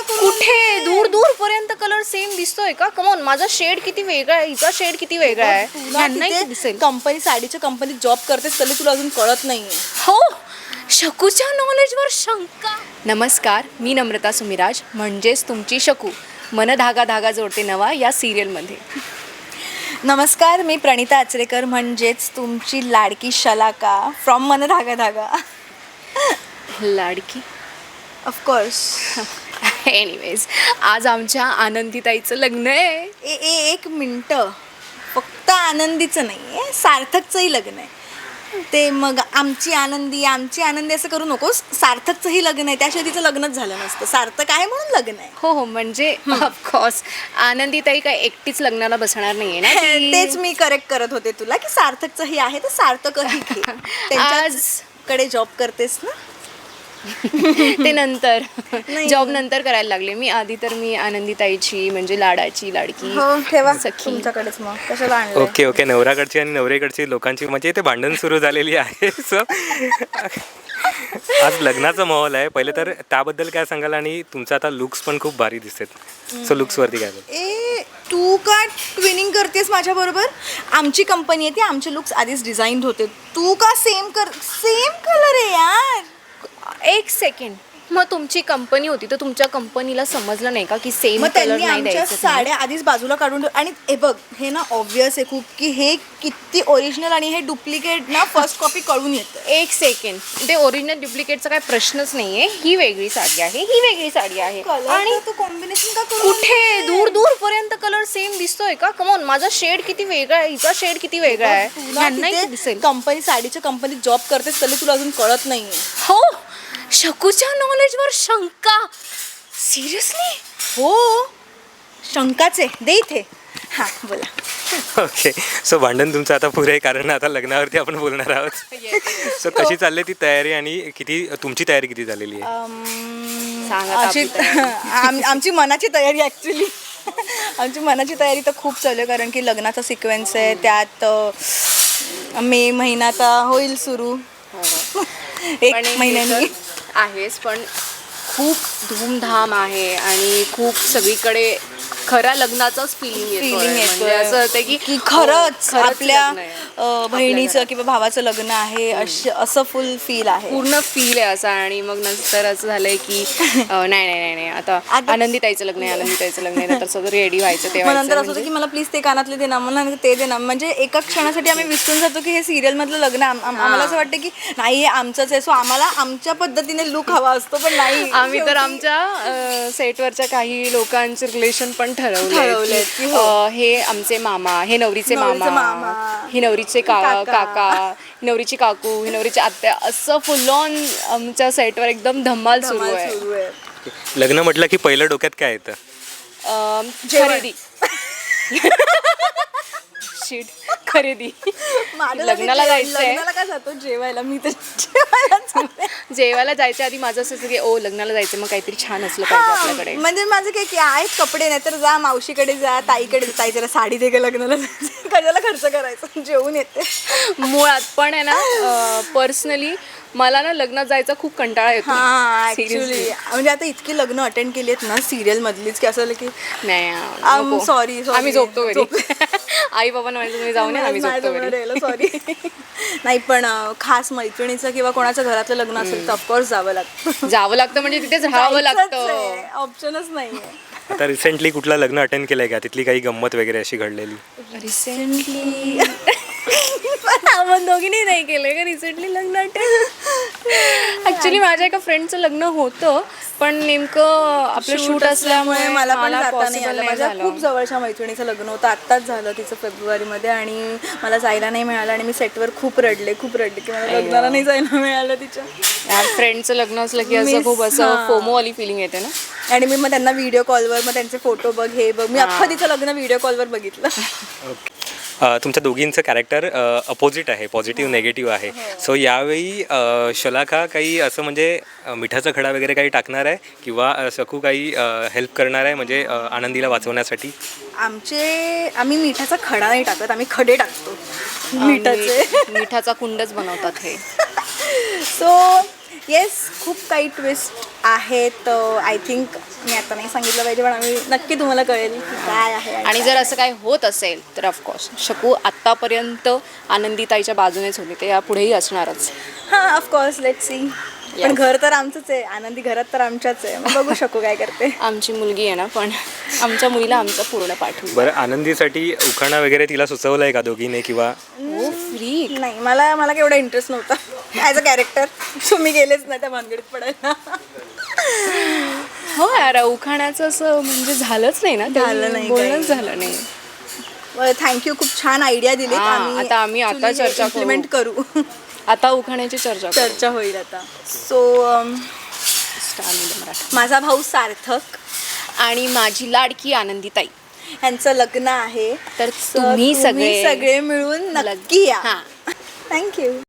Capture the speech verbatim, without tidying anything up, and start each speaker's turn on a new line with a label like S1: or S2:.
S1: कुठे दूर दूर पर्यंत कलर सेम दिसतोय का? कमॉन, माझा शेड किती वेगळा आहे, हिचा शेड किती वेगळा आहे. ह्यांनाही दिसेल.
S2: कंपनी साडीच्या कंपनीत जॉब करतेस तरी तुला अजून कळत नाहीये.
S1: हो, शकूच्या नॉलेजवर शंका. नमस्कार, मी नम्रता सुमिराज, म्हणजेच तुमची शकू, मन धागा धागा जोडते नवा या सिरियलमध्ये.
S2: नमस्कार, मी प्रणिता आचरेकर, म्हणजेच तुमची लाडकी शलाका फ्रॉम मन धागा धागा.
S1: लाडकी
S2: ऑफकोर्स.
S1: एनिवेज, आज आमच्या आनंदीताईचं लग्न आहे.
S2: ए ए एक मिनटं, फक्त आनंदीचं नाही आहे, सार्थकचंही लग्न आहे. ते मग आमची आनंदी आमची आनंदी असं करू नकोस. सार्थकचंही लग्न आहे, त्याशिवाय तिचं लग्नच झालं नसतं. सार्थक आहे म्हणून लग्न आहे.
S1: हो हो, म्हणजे ऑफकोर्स आनंदीताई काय एकटीच लग्नाला बसणार नाहीये ना.
S2: तेच मी करेक्ट करत होते तुला की सार्थकचंही आहे तर सार्थकही घे. त्यांच्याकडे जॉब करतेस ना.
S1: ते नंतर
S2: नाही.
S1: जॉब नंतर करायला लागले मी. आधी तर मी आनंदीताईची म्हणजे लाडाची लाडकी
S2: हो, ठेवा
S1: सखी.
S2: तुमच्याकडेच. मग कशाला आणलं?
S3: ओके ओके, नवराकडची आणि नवरेकडची लोकांची म्हणजे इथे भांडण सुरू झालेली आहे. सो आज लग्नाचा माहोल आहे. पहिले तर त्याबद्दल काय सांगाल, आणि तुमचा आता लुक्स पण खूप भारी दिसतात. सो लुक्सवरती काय बोल?
S2: ए तू का ट्विनिंग करतेस माझ्या बरोबर? आमची कंपनी आहे ती, आमचे लुक्स आधीच डिझाईन होते. तू का सेम कर? सेम कलर आहे यार.
S1: एक सेकंड, मग तुमची कंपनी होती तर तुमच्या कंपनीला समजलं नाही का की सेम
S2: मग
S1: कलर
S2: त्यांनी
S1: नाही
S2: आमच्या
S1: द्यायचं?
S2: साड्या आधीच बाजूला काढून ठेव- आणि हे बघ, हे ना ऑब्वियस आहे खूप की हे किती ओरिजिनल आणि हे डुप्लिकेट ना फर्स्ट कॉपी कळून येतं.
S1: एक सेकंड, ते ओरिजिनल डुप्लिकेटचा काही प्रश्नच नाहीये. ही वेगळी साडी आहे, ही वेगळी साडी आहे.
S2: आणि तू कॉम्बिनेशन का करू?
S1: कुठे दूर दूर पर्यंत कलर सेम दिसतोय का? कमॉन, माझा शेड किती वेगळा आहे, हिचा शेड किती वेगळा आहे. ह्यांनाही दिसेल.
S2: कंपनी साडीच्या कंपनीत जॉब करतेस तरी तुला अजून कळत नाहीये.
S1: हो, शकूच्या नॉलेजवर शंका. सिरियसली?
S2: हो, शंकाचे दे इथे. हां बोला.
S3: ओके, सो भांडण तुमचं आता पुरे, कारण आता लग्नावरती आपण बोलणार आहोत. सो कशी चालली ती तयारी, आणि किती तुमची तयारी किती झालेली आहे?
S1: सांगा आता
S2: अशी
S1: आपली तयारी.
S2: आम- आमची मनाची तयारी ॲक्च्युली आमची मनाची तयारी तर खूप चालू आहे, कारण की लग्नाचा सिक्वेन्स आहे. त्यात अ, मे महिना आता होईल सुरू एक
S1: पण हे
S2: महिन्यानी.
S1: तर आहेच, पण खूप धूमधाम आहे आणि खूप सगळीकडे खऱ्या लग्नाचाच फिलिंग
S2: Feeling
S1: येतो.
S2: येतोय.
S1: म्हणजे असं होतं की
S2: की खरंच
S1: हो, खरंच
S2: आपल्या
S1: लग्न आहे.
S2: अ, बहिणीचं
S1: घरात.
S2: किंवा भावाचं लग्न आहे असं असं फुल फील आहे.
S1: पूर्ण फील आहे असा. आणि मग नंतर असं झालंय की अं, नाही नाही नाही नाही आता
S2: आता-
S1: आनंदीताईचं लग्न आहे, आनंदीताईचं लग्न आहे, नंतर सगळं रेडी व्हायचं ते
S2: मग नंतर
S1: व्हायचं.
S2: असं होतं की मला प्लीज ते कानातले दे ना, मला ते दे ना. म्हणजे एका क्षणासाठी आम्ही विसरून जातो की हे सिरियल मधलं लग्न आम- आम- आम्हाला असं वाटतं की नाही हे आमचंच आहे. सो आम्हाला आमच्या पद्धतीने लुक हवा असतो, पण नाही.
S1: आम्ही तर
S2: शेवटी-
S1: आमच्या सेटवरच्या काही लोकांचे रिलेशन पण ठरवले
S2: ठरवलेत की हो.
S1: हे आमचे मामा, हे नवरीचे
S2: नवरीचे
S1: मामा,
S2: मामा,
S1: हे नवरीचे का
S2: काका.
S1: काका, ही नवरीची काकू, ही नवरीची आत्या, असं फुल ऑन आमच्या सेटवर एकदम धमाल सुरू
S2: धमाल
S1: आहे.
S2: सुरू आहे.
S3: लग्न म्हटलं की पहिलं डोक्यात काय येतं?
S1: अं,
S2: जेवण.
S1: खरेदी. शिट, खरेदी.
S2: माझं
S1: लग्नाला
S2: जेव-
S1: जायचंय.
S2: लग्नाला का जातो? जेवायला. मी तर जेवायला जाते.
S1: जेवायला जायच्या आधी माझं असं असतं की ओ लग्नाला जायचं, मग काहीतरी छान असलं पाहिजे आपल्याकडे.
S2: हा, म्हणजे माझं काय की आहेत कपडे, नाही तर जा मावशीकडे जा, ताईकडे जा. ताई जरा साडी दे ग लग्नाला जायचं. कशाला खर्च करायचं, जेवून येते.
S1: मुळात पण आहे ना, पर्सनली मला ना लग्नात जायचा खूप कंटाळा येतो.
S2: हा
S1: Seriously.
S2: ऍक्च्युली म्हणजे आता इतकी लग्न अटेंड केली आहेत ना सिरियल मधलीच की असं झालं की
S1: नाही
S2: आम
S1: नको.
S2: सॉरी सॉरी
S1: आम्ही झोपतो घरी. आई बाबा म्हणायचं तुम्ही जाऊन या, आम्ही झोपतो घरी.
S2: सॉरी. नाही पण अं, खास मैत्रिणीचं किंवा कोणाचं घरातलं लग्न असेल तर ऑफकोर्स जावं लागतं.
S1: जावं लागतं, म्हणजे तिथेच राहावं लागतं.
S2: ऑप्शनच नाहीये.
S3: आता रिसेंटली कुठलं लग्न अटेंड केलंय का? तिथली काही गंमत वगैरे अशी घडलेली?
S1: रिसेंटली आपण दोघींनी नाही केलंय का रिसेंटली लग्न अटेंड? ऍक्च्युली माझ्या एका फ्रेंडचं लग्न होतं, पण नेमकं आपलं शूट असल्यामुळे
S2: मला पण जाता नाही
S1: possible
S2: आलं. माझ्या
S1: झालं.
S2: खूप जवळच्या मैत्रिणीचं लग्न होतं, आत्ताच झालं तिचं फेब्रुवारीमध्ये, आणि मला जायला नाही मिळालं. आणि मी सेटवर खूप रडले खूप रडले की मला लग्नाला नाही जायला मिळालं तिच्या.
S1: यार फ्रेंडचं लग्न असलं की असं
S2: Miss,
S1: खूप असं
S2: हां.
S1: फोमो वाली फिलिंग येते ना.
S2: आणि मी मग त्यांना व्हिडिओ कॉलवर मग त्यांचे फोटो बघ हे बघ, मी अख्खं तिचं लग्न व्हिडिओ कॉलवर बघितलं.
S3: ओके, तुमच्या दोघींचं कॅरेक्टर अपोजिट आहे, पॉझिटिव्ह नेगेटिव्ह आहे. सो यावेळी अ, शलाका काही असं म्हणजे अ, मिठाचा खडा वगैरे काही टाकणार आहे, किंवा अ, सकू काही हेल्प करणार आहे म्हणजे अ, आनंदीला वाचवण्यासाठी?
S2: आमचे आम्ही मिठाचा खडा नाही टाकत, आम्ही खडे टाकतो मिठाचे.
S1: मिठाचा कुंडच बनवतात हे.
S2: सो येस, खूप काही ट्विस्ट आहेत आय थिंक मी आता नाही सांगितलं पाहिजे पण आम्ही नक्की तुम्हाला कळेल की काय आहे
S1: आणि जर असं काय होत असेल तर ऑफकोर्स शकू आत्तापर्यंत आनंदीताईच्या बाजूनेच होती ते यापुढेही असणारच.
S2: हां ऑफकोर्स लेट सी. पण घर तर आमचंच आहे, आनंदी घरात तर आमच्याच आहे, मग बघू शकू काय करते.
S1: आमची मुलगी आहे ना, पण आमच्या मुलीला आमचं पूर्ण पाठवू.
S3: बरं, आनंदीसाठी उखाणा वगैरे तिला सुचवलं आहे का दोघीने किंवा?
S1: हो फ्री.
S2: नाही मला मला केवढा इंटरेस्ट नव्हता ॲज अ कॅरेक्टर, सो मी गेलेच नाही त्या भानगडीत पडायला.
S1: हो यार, उखाण्याचं असं म्हणजे झालंच नाही ना,
S2: झालं नाही
S1: बोलणंच
S2: काही.
S1: झालं नाही.
S2: थँक्यू, खूप छान आयडिया दिली.
S1: हां, आता आम्ही आता चर्चा करू.
S2: इम्प्लिमेंट करू.
S1: आता उखाण्याची चर्चा करू.
S2: चर्चा होईल आता. So
S1: Star Media Marathi.
S2: माझा भाऊ सार्थक
S1: आणि माझी लाडकी आनंदीताई
S2: यांचं लग्न आहे,
S1: तर
S2: So,
S1: तुम्ही सगळे
S2: सगळे मिळून नक्की या.
S1: हां.
S2: थँक्यू.